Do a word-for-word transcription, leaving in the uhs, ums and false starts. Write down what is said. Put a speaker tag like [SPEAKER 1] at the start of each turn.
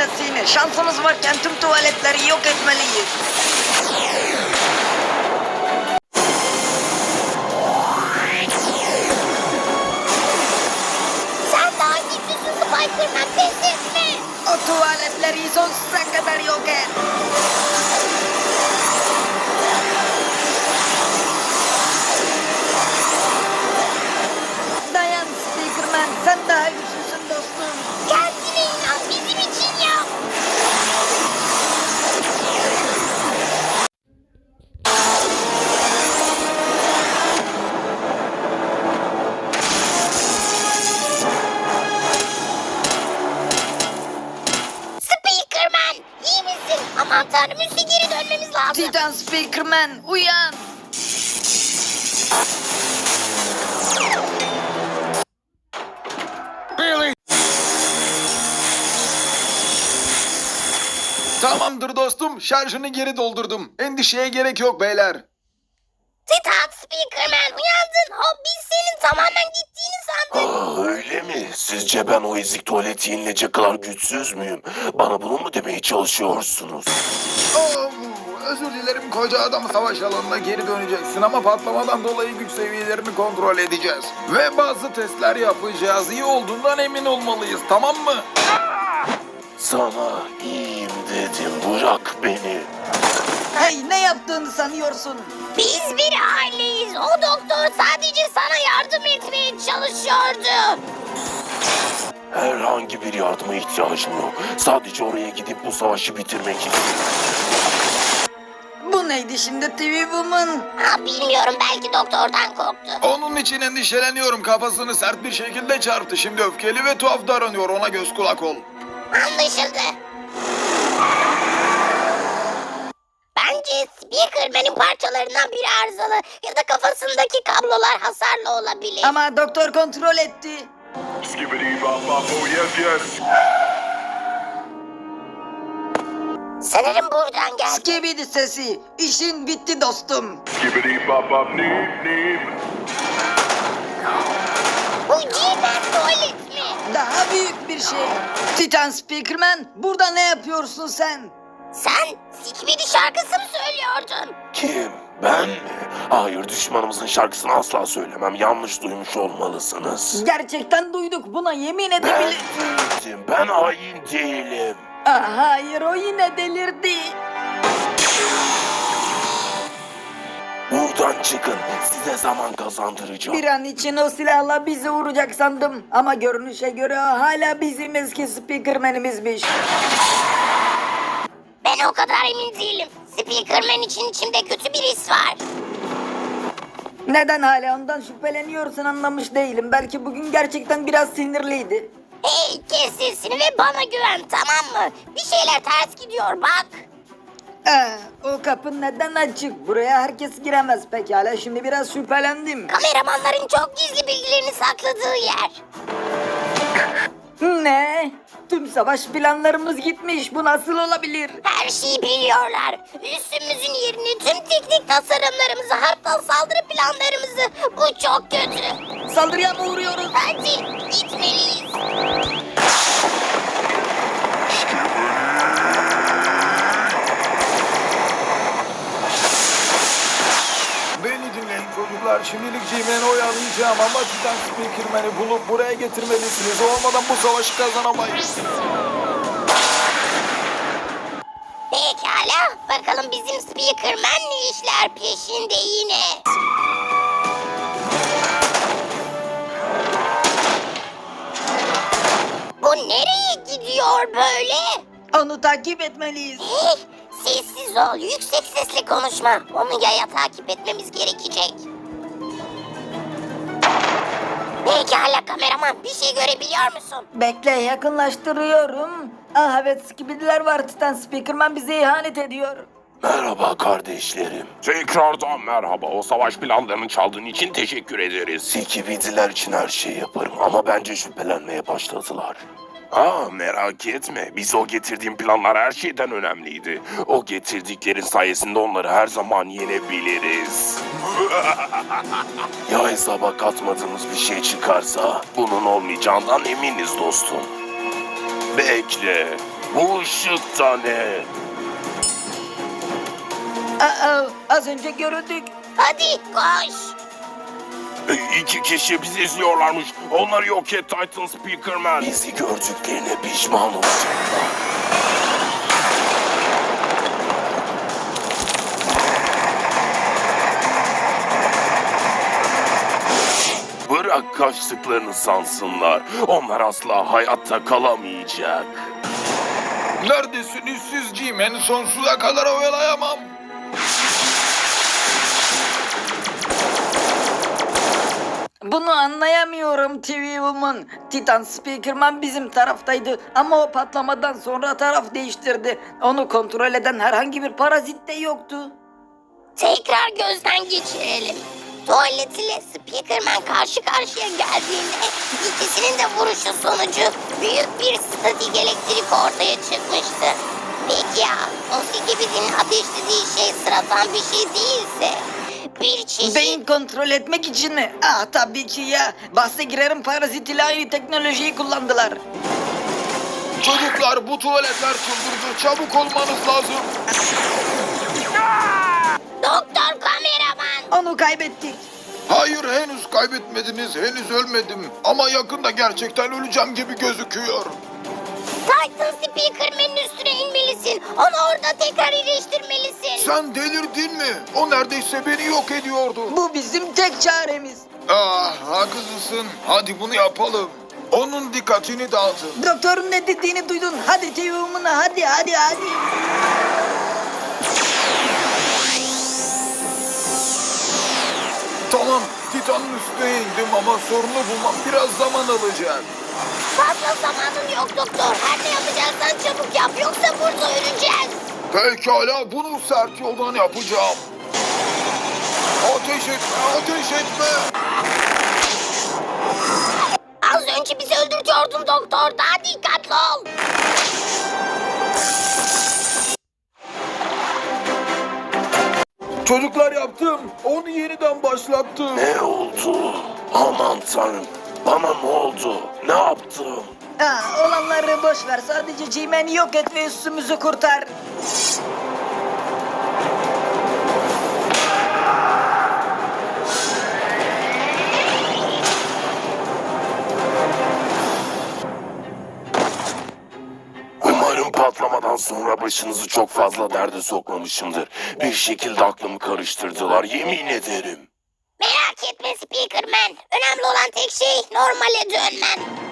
[SPEAKER 1] gelmesini. Şansımız varken tüm tuvaletleri yok etmeliyiz.
[SPEAKER 2] Sen daha güçlüsün Spider-Man, pes etme.
[SPEAKER 1] O tuvaletleri sonsuza kadar yok et. Dayan Spiderman, sen daha güçlüsün dostum.
[SPEAKER 2] Kendine inan, bizim için yap. Spider-Man, iyi misin? Aman tanrım, üstü geri dönmemiz lazım.
[SPEAKER 1] Titan Spiderman, uyan.
[SPEAKER 3] Tamamdır dostum, şarjını geri doldurdum. Endişeye gerek yok beyler.
[SPEAKER 2] Titan Spider-Man, uyandın. O biz senin tamamen gittiğini sandık.
[SPEAKER 4] Aa, öyle mi? Sizce ben o ezik tuvaleti yenilecek kadar güçsüz müyüm? Bana bunu mu demeye çalışıyorsunuz?
[SPEAKER 3] Oo, özür dilerim, koca adam savaş alanına geri döneceksin ama patlamadan dolayı güç seviyelerini kontrol edeceğiz. Ve bazı testler yapacağız. İyi olduğundan emin olmalıyız, tamam mı?
[SPEAKER 4] Sana iyiyim dedim, bırak beni.
[SPEAKER 1] Hey, ne yaptığını sanıyorsun?
[SPEAKER 2] Biz bir aileyiz. O doktor sadece sana yardım etmeye çalışıyordu.
[SPEAKER 4] Herhangi bir yardıma ihtiyacım yok. Sadece oraya gidip bu savaşı bitirmek istiyorum.
[SPEAKER 1] Bu neydi şimdi T V Woman?
[SPEAKER 2] Ha, bilmiyorum, belki doktordan korktu.
[SPEAKER 3] Onun için endişeleniyorum. Kafasını sert bir şekilde çarptı. Şimdi öfkeli ve tuhaf davranıyor. Ona göz kulak ol.
[SPEAKER 2] Anlaşıldı. Bence Spider-Man'in parçalarından biri arızalı ya da kafasındaki kablolar hasarlı olabilir.
[SPEAKER 1] Ama doktor kontrol etti.
[SPEAKER 5] Skibbity bop bop, oh yes yes.
[SPEAKER 2] Sanırım buradan geldi.
[SPEAKER 1] Skibidi sesi. İşin bitti dostum.
[SPEAKER 5] Skibbity bop bop, neep neep.
[SPEAKER 2] Bu G-Man tuvalet mi?
[SPEAKER 1] Daha büyük bir şey. Titan Spiderman, burada ne yapıyorsun sen?
[SPEAKER 2] Sen Skibidi şarkısı mı söylüyordun?
[SPEAKER 4] Kim? Ben mi? Hayır, düşmanımızın şarkısını asla söylemem. Yanlış duymuş olmalısınız.
[SPEAKER 1] Gerçekten duyduk, buna yemin
[SPEAKER 4] Ben
[SPEAKER 1] edebilir.
[SPEAKER 4] değilim, ben hain değilim.
[SPEAKER 1] Ah, hayır, o yine delirdi.
[SPEAKER 4] Buradan çıkın, size zaman kazandıracağım.
[SPEAKER 1] Bir an için o silahla bizi vuracak sandım. Ama görünüşe göre o hala bizim eski Spiderman'imizmiş.
[SPEAKER 2] Ben o kadar emin değilim. Spider-Man için içimde kötü bir his var.
[SPEAKER 1] Neden hala ondan şüpheleniyorsun anlamış değilim. Belki bugün gerçekten biraz sinirliydi.
[SPEAKER 2] Hey, kes sesini ve bana güven, tamam mı? Bir şeyler ters gidiyor, bak.
[SPEAKER 1] Ah, o kapı neden açık? Buraya herkes giremez pekala. Şimdi biraz şüphelendim.
[SPEAKER 2] Kameramanların çok gizli bilgilerini sakladığı yer.
[SPEAKER 1] Ne? Tüm savaş planlarımız gitmiş. Bu nasıl olabilir?
[SPEAKER 2] Her şeyi biliyorlar. Üstümüzün yerini, tüm teknik tasarımlarımızı, hatta saldırı planlarımızı. Bu çok kötü.
[SPEAKER 1] Saldırıya mı uğruyoruz?
[SPEAKER 2] Hadi gitmeliyiz.
[SPEAKER 3] Beni dinleyin çocuklar. Şimdilik G-Man'i oyalayacağım ama Titan Spiderman'i bulup buraya getirmelisiniz. O olmadan bu savaşı kazanamayız.
[SPEAKER 2] Pekala, bakalım bizim Spider-Man ne işler peşinde yine. Bu nereye gidiyor böyle?
[SPEAKER 1] Onu takip etmeliyiz.
[SPEAKER 2] Hey, sessiz ol, yüksek sesle konuşma. Onu yaya takip etmemiz gerekecek. Pekala kameraman, bir şey görebiliyor musun?
[SPEAKER 1] Bekle, yakınlaştırıyorum. Ah evet, Skibidiler var. Titan Spiderman bize ihanet ediyor.
[SPEAKER 4] Merhaba kardeşlerim. Tekrardan merhaba. O savaş planlarını çaldığın için teşekkür ederiz. Sikibidiler için her şeyi yaparım ama bence şüphelenmeye başladılar. Aa, merak etme. Biz o getirdiğim planlar her şeyden önemliydi. O getirdikleri sayesinde onları her zaman yenebiliriz. Ya hesaba katmadığımız bir şey çıkarsa bunun olmayacağından eminiz dostum. Bekle. Bu ışık da ne?
[SPEAKER 1] Aa, az önce görüldük.
[SPEAKER 2] Hadi koş.
[SPEAKER 4] E, İki kişi bizi izliyorlarmış. Onları yok et Titan Speakerman. Bizi gördüklerine pişman olacaklar. Bırak kaçtıklarını sansınlar. Onlar asla hayatta kalamayacak.
[SPEAKER 3] Neredesiniz siz G-Man? Sonsuza kadar oyalayamam.
[SPEAKER 1] Bunu anlayamıyorum T V Woman. Titan Speakerman bizim taraftaydı ama o patlamadan sonra taraf değiştirdi. Onu kontrol eden herhangi bir parazit de yoktu.
[SPEAKER 2] Tekrar gözden geçirelim. Tuvalet ile Speakerman karşı karşıya geldiğinde ikisinin de vuruşu sonucu büyük bir statik elektrik ortaya çıkmıştı. Peki ya o Skibid'in ateşlediği şey sıradan bir şey değilse? Bir çeşit...
[SPEAKER 1] Beyin kontrol etmek için mi? Ah tabii ki ya. Bahse girerim parazit ile aynı teknolojiyi kullandılar.
[SPEAKER 3] Çocuklar bu tuvaletler çıldırdı. Çabuk olmanız lazım.
[SPEAKER 2] Doktor kameraman.
[SPEAKER 1] Onu kaybettik.
[SPEAKER 3] Hayır henüz kaybetmediniz. Henüz ölmedim. Ama yakında gerçekten öleceğim gibi gözüküyor.
[SPEAKER 2] Titan Speakerman'ın üstüne inmelisin. Onu orada tekrar iyileştirmelisin.
[SPEAKER 3] Sen delirdin mi? O neredeyse beni yok ediyordu.
[SPEAKER 1] Bu bizim tek çaremiz.
[SPEAKER 3] Ah haklısın. Hadi bunu yapalım. Onun dikkatini dağıtın.
[SPEAKER 1] Doktorun ne dediğini duydun. Hadi T V Woman hadi hadi hadi.
[SPEAKER 3] Tamam, Titan'ın üstüne indim ama sorunu bulmam biraz zaman alacak.
[SPEAKER 2] Fazla zamanın yok doktor. Her ne yapacaksan çabuk yap yoksa burada öleceğiz.
[SPEAKER 3] Pekala, bunu sert yoldan yapacağım. Ateş etme, ateş etme.
[SPEAKER 2] Az önce bizi öldürtüyordun doktor. Daha dikkatli ol.
[SPEAKER 3] Çocuklar yaptım. Onu yeniden başlattım.
[SPEAKER 4] Ne oldu? Aman tanrım. Bana ne oldu? Ne yaptım?
[SPEAKER 1] Ha, olanları boş ver. Sadece G-Man'i yok et ve üstümüzü kurtar.
[SPEAKER 4] Umarım patlamadan sonra başınızı çok fazla derde sokmamışımdır. Bir şekilde aklımı karıştırdılar, yemin ederim.
[SPEAKER 2] Merak etme Speakerman. Önemli olan tek şey normale dönmen.